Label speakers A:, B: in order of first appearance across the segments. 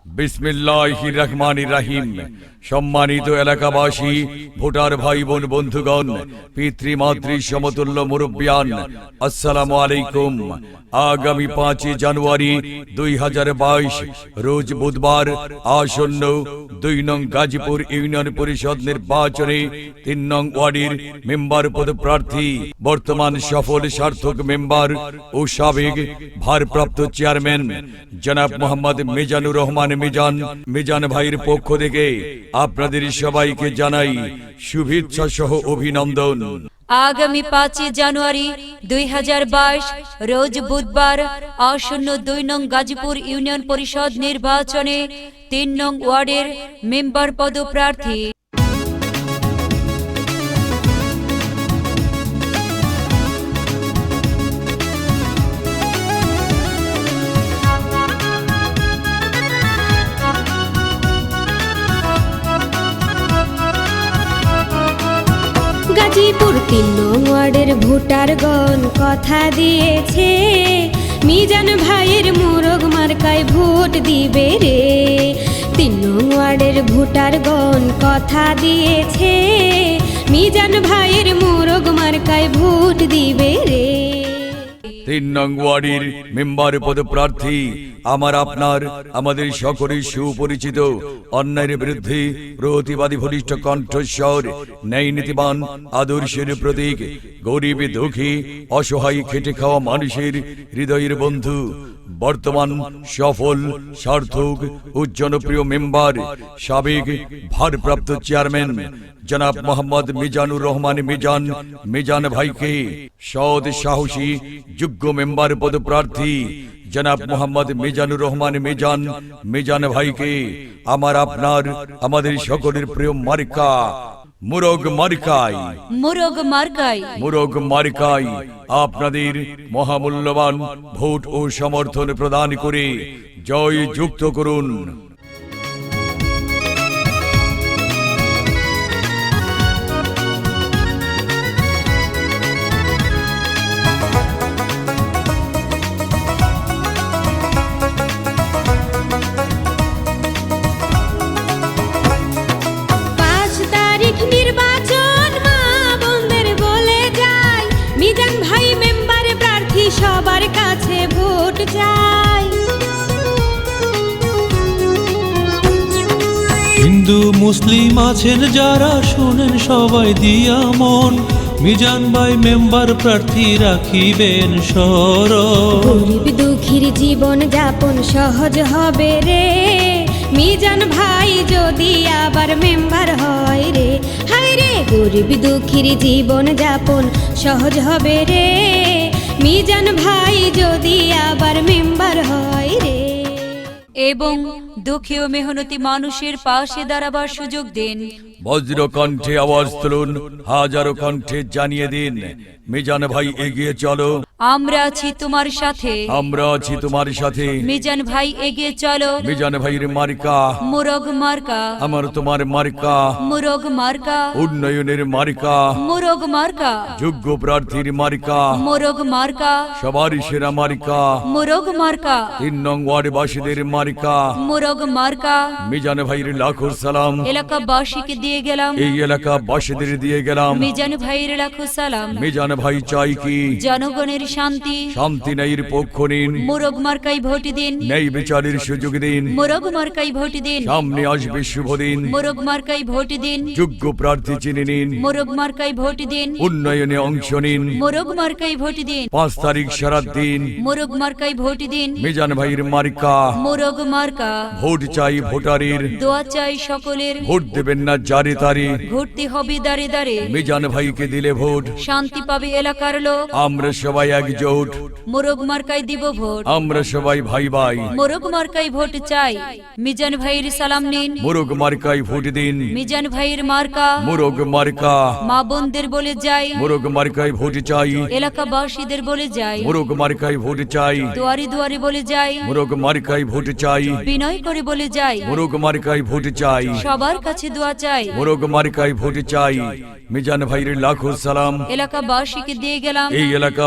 A: বিসমিল্লাহির রহমানির রহিম। সম্মানিত এলাকাবাসী, ভোটার ভাই বোন বন্ধুগণ, পিতৃমাতৃ সমতুল্য মুরব্বিয়ান, আসসালামু আলাইকুম। আগামী 5 জানুয়ারি 2022 রোজ বুধবার আসন্ন 2 নং গাজীপুর ইউনিয়ন পরিষদ নির্বাচনে 3 নং ওয়ার্ডের মেম্বার পদপ্রার্থী, বর্তমান সফল সার্থক মেম্বার ও সাবেক ভারপ্রাপ্ত চেয়ারম্যান জনাব মোহাম্মদ মিজানুর রহমান মিজান ভাইয়ের পক্ষ থেকে আপনাদের সবাইকে জানাই শুভেচ্ছা সহ অভিনন্দন।
B: আগামী 5 জানুয়ারি 2022 রোজ বুধবার আসন্ন 2 নং গাজীপুর ইউনিয়ন পরিষদ নির্বাচনে 3 নং ওয়ার্ডের মেম্বার পদপ্রার্থী
C: গাজীপুর 3 নং ওয়ার্ডের ভোটারগণ কথা দিয়েছে, মিজান ভাইয়ের মোরগ মার্কায় ভোট দিবে রে। 3 নং ওয়ার্ডের ভোটারগণ কথা দিয়েছে, মিজান ভাইয়ের মোরগ মার্কায় ভোট দিবে রে।
A: 3 নং ওয়ার্ডের মেম্বার পদপ্রার্থী আমার আপনার আমাদের সকলের সুপরিচিত, অন্যায়ের বিরুদ্ধে প্রতিবাদী বলিষ্ঠ কণ্ঠস্বর, ন্যায় নীতিবান আদর্শের প্রতীক, গরিব দুঃখী অসহায় খেটে খাওয়া মানুষের হৃদয়ের বন্ধু, বর্তমান সফল সার্থক ও জনপ্রিয় মেম্বার, সাবেক ভারপ্রাপ্ত চেয়ারম্যান জনাব মোহাম্মদ মিজানুর রহমান মিজান ভাইকে, সৎ সাহসী যোগ্য মেম্বার পদপ্রার্থী জনাব মোহাম্মদ মিজানুর রহমান মিজান ভাইকে আমার আপনার আমাদের সকলের প্রিয় মার্কা মোরগ মার্কায় আপনাদের মহামূল্যবান ভোট ও সমর্থন প্রদান করে জয় যুক্ত করুন।
C: সবার কাছে ভোট চাই,
D: হিন্দু মুসলিম আছেন যারা শোনেন সবাই দিয়া মন, মিজান ভাই মেম্বার প্রার্থী রাখিবেন স্মরণ।
C: গরিব দুঃখীর জীবন যাপন সহজ হবে রে, মিজান ভাই যদি আবার মেম্বার হয় রে। হায় রে, গরিব দুঃখীর জীবন যাপন সহজ হবে রে, মিজান ভাই যদি আবার মেম্বার হয় রে।
B: এবং দুঃখী ও মেহনতি মানুষের পাশে দাঁড়াবার সুযোগ দিন।
A: বজ্র কণ্ঠে আওয়াজ তুলুন, হাজারো কণ্ঠে জানিয়ে দিন, মিজান ভাই এগিয়ে চলো,
B: আমরা আছি তোমার সাথে, মিজান ভাই এগিয়ে চলো।
A: মিজান ভাইয়ের মার্কা
B: মোরগ মার্কা,
A: আমার তোমার মার্কা
B: মোরগ মার্কা,
A: উন্নয়নের মার্কা
B: মোরগ মার্কা,
A: যোগ্য প্রার্থীর মার্কা
B: মোরগ মার্কা,
A: সবার সেরা মার্কা
B: মোরগ মার্কা,
A: 3 নং ওয়ার্ডবাসীদের মার্কা
B: মোরগ মার্কা।
A: মিজান ভাইয়ের লাখো সালাম
B: এলাকাবাসীকে দিয়ে গেলাম,
A: এই এলাকাবাসীদের দিয়ে গেলাম।
B: মিজান ভাইয়ের লাখো সালাম।
A: মিজান ভাই চাই কি
B: জনগণের শান্তি,
A: ন্যায়ের পক্ষ নিন,
B: মোরগ মার্কাই ভোট দিন,
A: ন্যায় বিচারের সুযোগ দিন,
B: মোরগ মার্কাই ভোট দিন,
A: সামনে আসবে শুভ দিন,
B: মোরগ মার্কাই ভোট দিন,
A: যোগ্য প্রার্থী চিনে নিন,
B: মোরগ মার্কাই ভোট দিন,
A: উন্নয়নে অংশ নিন,
B: মোরগ মার্কাই ভোট দিন,
A: 5 তারিখ সারাত দিন
B: মোরগ মার্কাই ভোট দিন,
A: মিজান ভাইয়ের মার্কা
B: মোরগ মার্কা।
A: ভোট চাই ভোটারের,
B: দোয়া চাই সকলের,
A: ভোট দেবেন না জারে তারে,
B: ঘুরতে হবে দাঁড়ে দাঁড়ে,
A: মিজান ভাইকে দিলে ভোট
B: শান্তি পাবে এলাকার লোক।
A: আমরা সবাই একজোট,
B: মোরগ মার্কাই দিব ভোট,
A: আমরা সবাই ভাই ভাই,
B: মোরগ মার্কাই ভোট চাই। মিজান ভাইয়ের সালাম নিন,
A: মোরগ মার্কায় ভোট দিন,
B: মিজান ভাইয়ের মার্কা
A: মোরগ মার্কা,
B: মা বোনদের বলে যাই,
A: মোরগ মার্কায় ভোট চাই,
B: এলাকাবাসীদের বলে যাই,
A: মোরগ মার্কায় ভোট চাই,
B: দুয়ারে দুয়ারে বলে যাই,
A: মোরগ মার্কায় ভোট চাই,
B: বিনয় করে বলে যাই,
A: মোরগ মার্কায় ভোট চাই,
B: সবার কাছে দোয়া চাই,
A: মোরগ মার্কায় ভোট চাই। মিজান ভাইয়ের লাখো সালাম
B: এলাকাবাসীকে দিয়ে গেলাম,
A: এই এলাকাবাসীদের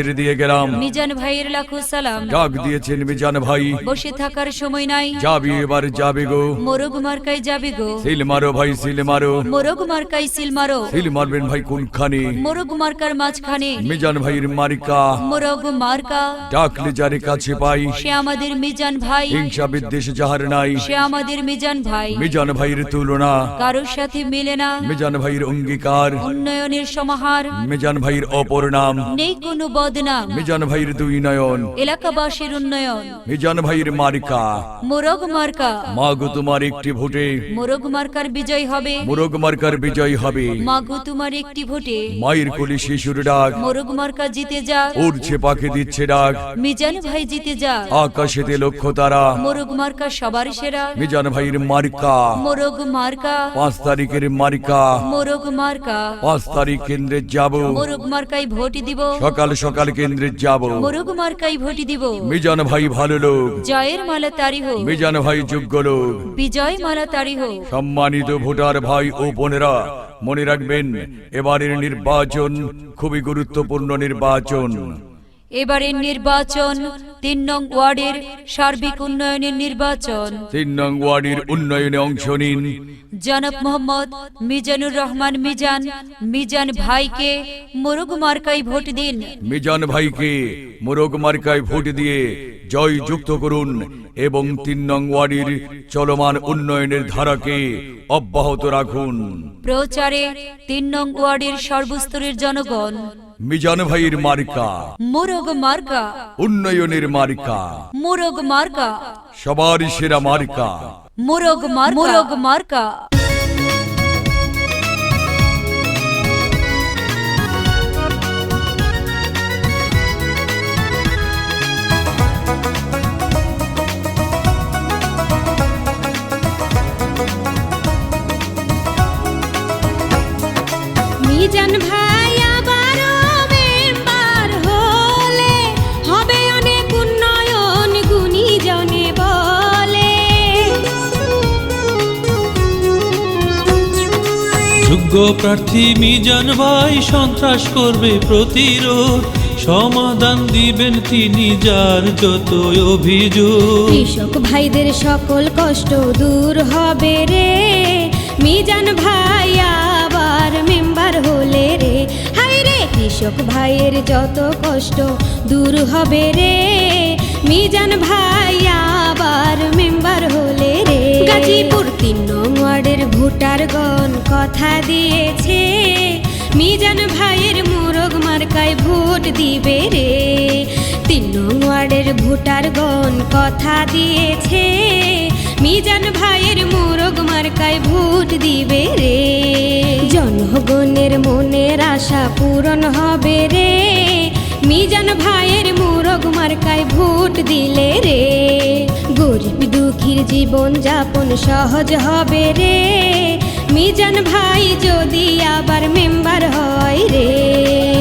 A: ফের দিয়ে গেলাম।
B: মিজান ভাইয়ের লাখো সালাম।
A: ডাক দিয়েছেন মিজান ভাই,
B: বসে থাকার সময় নাই,
A: যাবি এবার যাবে গো।
B: মোরগ মার্কায় যাবে গো।
A: সিল মারো ভাই সিল মারো।
B: মোরগ মার্কায় সিল মারো।
A: সিল মারবেন ভাই কোনখানে?
B: মোরগ মার্কার মাঝখানে।
A: মিজান ভাইয়ের মার্কা,
B: মোরগ মার্কা।
A: ডাকলে যারে কাছে পাই,
B: সে আমাদের মিজান ভাই।
A: হিংসা বিদ্বেষ যাহার নাই,
B: সে আমাদের মিজান ভাই।
A: মিজান ভাইয়ের তুলনা
B: কারোর সাথে মিলে না।
A: মিজান ভাইয়ের অঙ্গীকার,
B: উন্নয়নের সমাহার,
A: মিজান ভাইয়ের অপর নাম,
B: নেই কোনো বদনাম।
A: মিজান ভাইয়ের দুই নয়ন,
B: এলাকাবাসীর উন্নয়ন।
A: মিজান ভাইয়ের মার্কা।
B: মোরগ মার্কা।
A: মাগো তোমার একটি ভোটে
B: মোরগ মার্কার বিজয় হবে।
A: মোরগ মার্কার বিজয় হবে।
B: মাগো তোমার একটি ভোটে
A: মায়ের কোলে শিশুর ডাক,
B: মোরগ মার্কা জিতে যাক।
A: উড়ছে পাখি দিচ্ছে ডাক,
B: মিজান ভাই জিতে যাক।
A: আকাশেতে লক্ষ্য তারা,
B: মোরগ মার্কা সবার সেরা।
A: মিজান ভাইয়ের মার্কা।
B: মোরগ মার্কা।
A: 5 তারিখের মার্কা,
B: মোরগ মার্কা।
A: 5 তারিখ কেন্দ্রে যাব,
B: মোরগ মার্কাই ভোট দিব।
A: সকাল সকাল কেন্দ্রে যাব।
B: মোরগ মার্কাই ভোট দিব।
A: মিজান ভাই ভালো লোক,
B: জয়ের মালা তারি হোক।
A: মিজান ভাই যোগ্য লোক।
B: বিজয় মালা তারি হোক।
A: সম্মানিত ভোটার ভাই ও বোনেরা, মনে রাখবেন এবারের নির্বাচন খুবই গুরুত্বপূর্ণ নির্বাচন।
B: এবারের নির্বাচন 3 নং ওয়ার্ডের সার্বিক উন্নয়নের নির্বাচন।
A: 3 নং ওয়ার্ডের উন্নয়নে অংশ নিন।
B: জনাব মোহাম্মদ মিজানুর রহমান মিজান, মিজান ভাইকে মোরগ মার্কাই ভোট দিন।
A: মিজান ভাইকে মোরগ মার্কায় ভোট দিয়ে জয় যুক্ত করুন এবং 3 নং ওয়ার্ডের চলমান উন্নয়নের ধারাকে অব্যাহত রাখুন।
B: প্রচারে 3 নং ওয়ার্ডের সর্বস্তরের জনগণ।
A: মিজান ভাইয়ের মার্কা,
B: মোরগ মার্কা।
A: উন্নয়নের মার্কা,
B: মোরগ মার্কা।
A: সবার সেরা মার্কা।
B: মোরগ মার্কা। মোরগ মার্কা।
C: মিজান ভাই আবারও মেম্বার হলে হবে অনেক উন্নয়ন গুণীজনে বলে।
D: যোগ্য প্রার্থী মিজান ভাই সন্ত্রাস করবে প্রতিরোধ, সমাধান দিবেন তিনি যার যত অভিযোগ।
C: কৃষক ভাইদের সকল কষ্ট দূর হবে রে, মিজান ভাই আবার মেম্বার হলে রে। হাই রে, কৃষক ভাইয়ের যত কষ্ট দূর হবে রে, মিজান ভাই আবার মেম্বার হলে রে। গাজীপুর 3 নং ওয়ার্ডের ভোটারগণ কথা দিয়েছে, মিজান ভাইয়ের মোরগ মার্কায় ভোট দিবে রে। 3 নং ওয়ার্ডের ভোটারগণ কথা দিয়েছে, মিজান ভাইয়ের মোরগ মার্কায় ভোট দিবে রে। জনগণের মনের আশা পূরণ হবে রে, মিজান ভাইয়ের মোরগ মার্কায় ভোট দিলে রে। গরিব দুঃখীর জীবন যাপন সহজ হবে রে, মিজান ভাই যদি আবার মেম্বার হয় রে।